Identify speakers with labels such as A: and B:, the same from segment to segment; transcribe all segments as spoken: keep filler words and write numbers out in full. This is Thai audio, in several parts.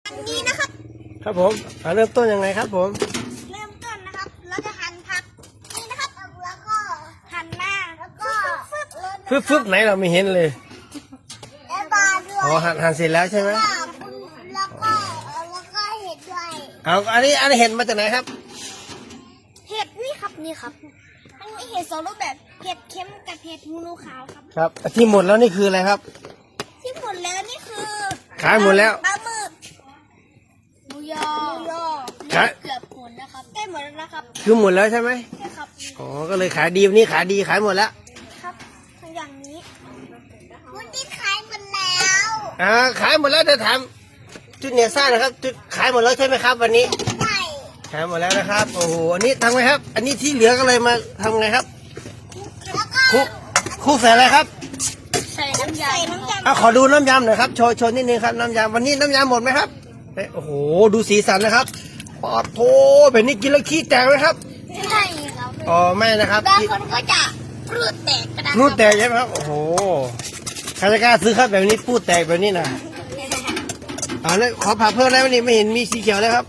A: อันนี้นะครับ
B: ครับผมเริ่มต้นยังไงครับผม
A: เริ่มต้นนะครับเราจะหั่นผักนี่นะครับแล้วก็หั่นหน้าแล้วก็
B: ฟึบฟึบไหนเราไม่เห็นเลย
A: แล้วปลาด้วย
B: อ๋อหั่นหั่นเสร็จแล้วใช่ไหม
A: แล้วก็แล้วก็เห็ดด้วย
B: เอาอันนี้อันนี้เห็ดมาจากไหนครับ
A: เห็ดนี่ครับนี่ครับอันนี้เห็ดสองรูปแบบเห็ดเค็มกับเห็ดหูหนูขาวครับ
B: ครับที่หมดแล้วนี่คืออะไรครับ
A: ที่หมดแล้วนี่คือ
B: ขายหมดแล้ว
A: ปลาหมึกหมูยอหมูยอเกือบหมดแล้วครับใกล้หมดแล้วนะครับ
B: คือหมดแล้วใช่ไหม
A: ใช่ครับ
B: อ๋อก็เลยขายดีวันนี้ขายดีขายหมดแล้ว
A: ครับทั้งอย่างนี้วันนี้ขายหมดแล้ว
B: อ่าขายหมดแล้วจะถามจุดเนียซ่านะครับจุดขายหมดแล้วใช่ไหมครับวันนี้
A: ใช่
B: ขายหมดแล้วนะครับโอ้โหอันนี้ทำไงครับอันนี้ที่เหลือก็เลยมาทำไงครับคุกคุกใส่อะไรครับ
A: ใส่น้ำยำน้ำยำ
B: อ่ะขอดูน้ำยำหน่อยครับโชว์โชว์นิดนึงครับน้ำยำวันนี้น้ำยำหมดไหมครับโอ้โหดูสีสันนะครับปอดโถแบบนี้กินแล้วขี้แตกไหมครับ
A: ใช่ครับ
B: อ๋อไม่นะครับ
A: บางคนก็จะพูดแตกกระดาษ
B: พูดแตกใช่ไหมครับโอ้โหใครจะกล้าซื้อครับแบบนี้พูดแตกแบบนี้นะอ่าแล้วขอผักเพิ่มแล้วนี่ไม่เห็นมีสีเขียวเลยครับ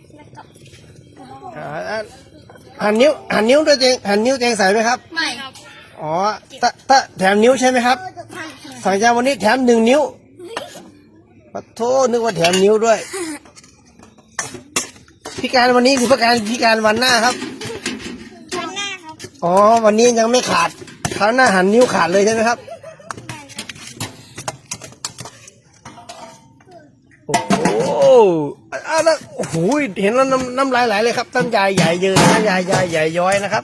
B: หั่นนิ้วหั่นนิ้วด้วยเองหั่นนิ้วเองใส่ไหมครับ
A: ไม่ครับ
B: อ๋อตะตะแถมนิ้วใช่ไหมครับสั่งจานวันนี้แถมหนึ่งนิ้วปะโทนึกว่าแถมนิ้วด้วยพิการวันนี้คือพิการพิการวันหน้าครับ
A: วันหน้าครับ
B: อ๋อวันนี้ยังไม่ขาดคราวหน้าหันนิ้วขาดเลยใช่ไหมครับโอ้โหอ้าวแล้วโอ้โหเห็นแล้วน้ำน้ำลายไหลเลยครับน้ำยายใหญ่เยอะน้ำยายใหญ่ใหญ่ย้อยนะครับ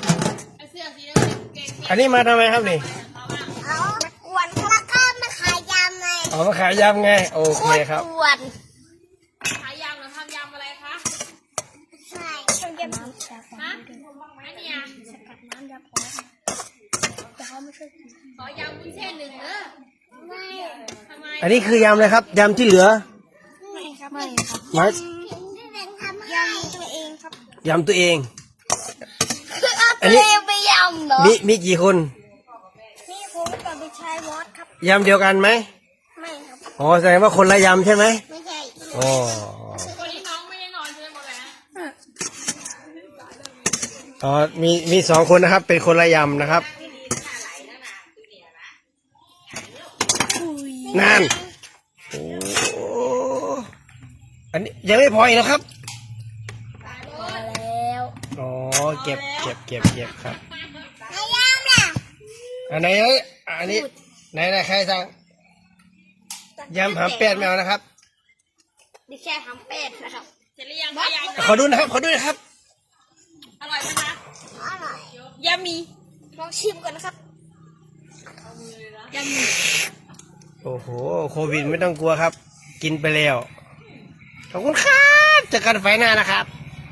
B: อันนี้มาทำไมครับนี่
A: เอามากวนแล้วก็มาขายยำไง
B: อ๋อมาขายยำไงโอเคครับ
A: กวน
C: ขายยำหรือทำยำอะไรคะ
A: ใช่ทำยำฮะ
C: อันนี้อ่ะ
A: สกัดน้ำยำพอแต่เขาไม่ช่วยกิน
C: ขอยำวุ้นเส้นหนึ่งเนอะ
A: ไม่
C: ทำไม
B: อันนี้คือยำเลยครับยำที่เหลือ
A: ไม่ครับไม่ครับ
B: ยำ
A: ที่เป็นทำยำตัวเองครับ
B: ยำตัวเอง
A: คือเอาตัวเองไปยำเหรอ
B: มีมีกี่คน
A: มีผมกับพี่ชายวอดครับ
B: ยำเดียวกันไหม
A: ไม่ครับ
B: อ๋อแสดงว่าคนละยำใช่ไหม
A: ไม่ใช่
B: อ๋อ
C: วันนี้น้องไม่ได้นอนใช่ไหมหมดแล้ว
B: อ๋อมีมีสองคนนะครับเป็นคนละยำนะครับนานโอ้อันนี้ยังไม่พออีกนะครับ
A: พอแล้ว
B: อ๋อเก็บเก็บเก็บเก็บครับ
A: ไอ้ยำน่ะ
B: อันไหนเอ้ยอันนี้ไหนไหนใครสั่งยำหำเป็ดแมวนะครับ
A: ดิแค่หำเป็ดนะครับ
C: เสร็จหรือยังคะยำ
B: ขอดูนะครับขอดูนะครับ
C: อร่อยไหมคะ
A: อร่อย
C: ยำมี
A: ลองชิมก่อนนะครับ
C: ยำมี
B: โอ้โหโควิดไม่ต้องกลัวครับกินไปแล้วขอบคุณครับเจอกันไฟหน้านะครับ